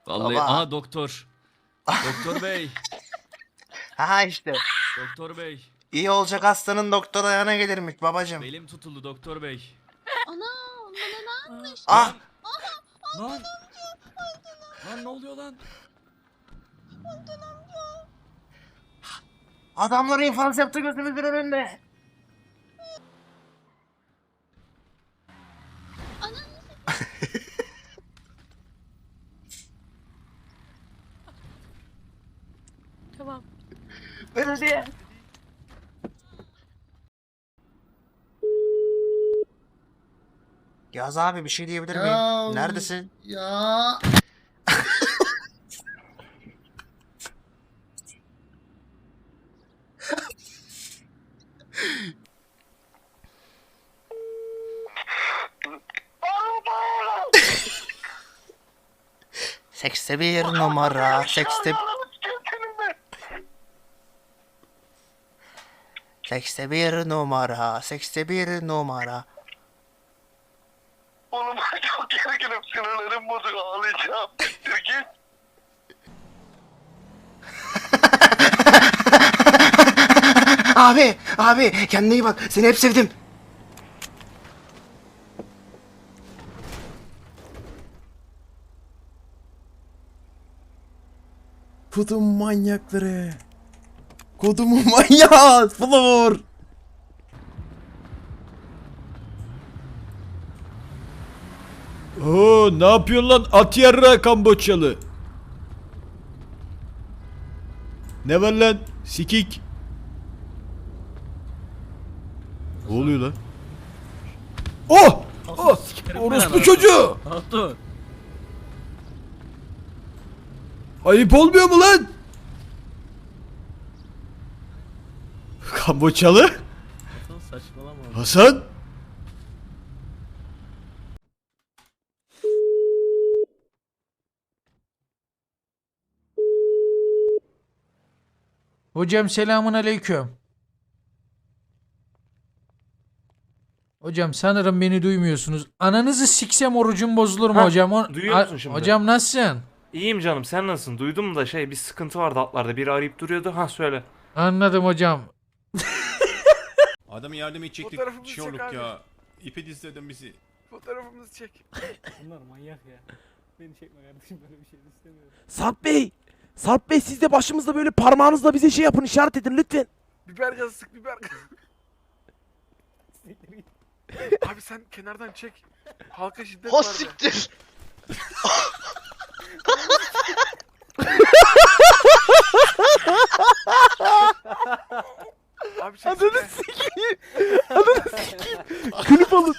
Vallahi Baba. aha doktor. Doktor bey. Ha işte. Doktor bey. İyi olacak hastanın doktor ayağına gelirmiş babacım. Belim tutuldu doktor bey. Ana bana ne yapmış? Ah! Lan. Lan ne oluyor lan? Adamları infaz yaptı gözümüzün önünde. Tamam. Belediye. Yaz abi bir şey diyebilir miyim? Neredesin? Ya. Sekste bir numara. Sekste bir numara. Sekste bir numara. Oğlum çok gerginim, sinirlerim bozuk, ağlayacağım. Siktir git. Abi kendine iyi bak. Seni hep sevdim. Kodum manyakları. Kodumun manyağı. Floor. Oo, ne yapıyorsun lan at yarra Kamboçyalı? Ne var lan sikik? Ne oluyor lan? Oh! Oh! Orospu çocuğu! Hatun. Ayıp olmuyor mu lan? Kamboçyalı? Hatun saçmalama. Hasan? Hocam selamun aleyküm. Hocam sanırım beni duymuyorsunuz. Ananızı siksem orucum bozulur mu Ha, hocam? duyuyor musun şimdi? Hocam nasılsın? İyiyim canım, sen nasılsın? Duydum da bir sıkıntı vardı atlarda. Biri arayıp duruyordu. Ha söyle. Anladım hocam. Adamı yardım edecektik. Fotoğrafımızı Şey çek olduk abi. ya. İpe dizledin bizi. Fotoğrafımızı çek. Bunlar manyak ya. Beni çekme kardeşim, böyle bir şey istemiyorum. Sarp Bey! Sarp Bey siz de başımızda böyle parmağınızla bize şey yapın, işaret edin lütfen. Biber gazı sık, biber gazı. Abi sen kenardan çek. Halka şiddet var de. Abi çek. Ananı sikeyim. Ananı sikeyim. Klip alın.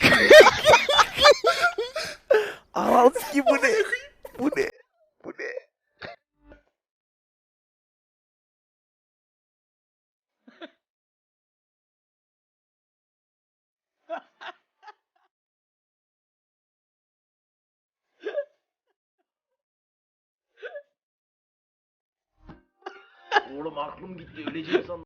Ananı sikeyim, bu ne? Bu ne? Bu ne? Oğlum aklım gitti, öleceğim sandım.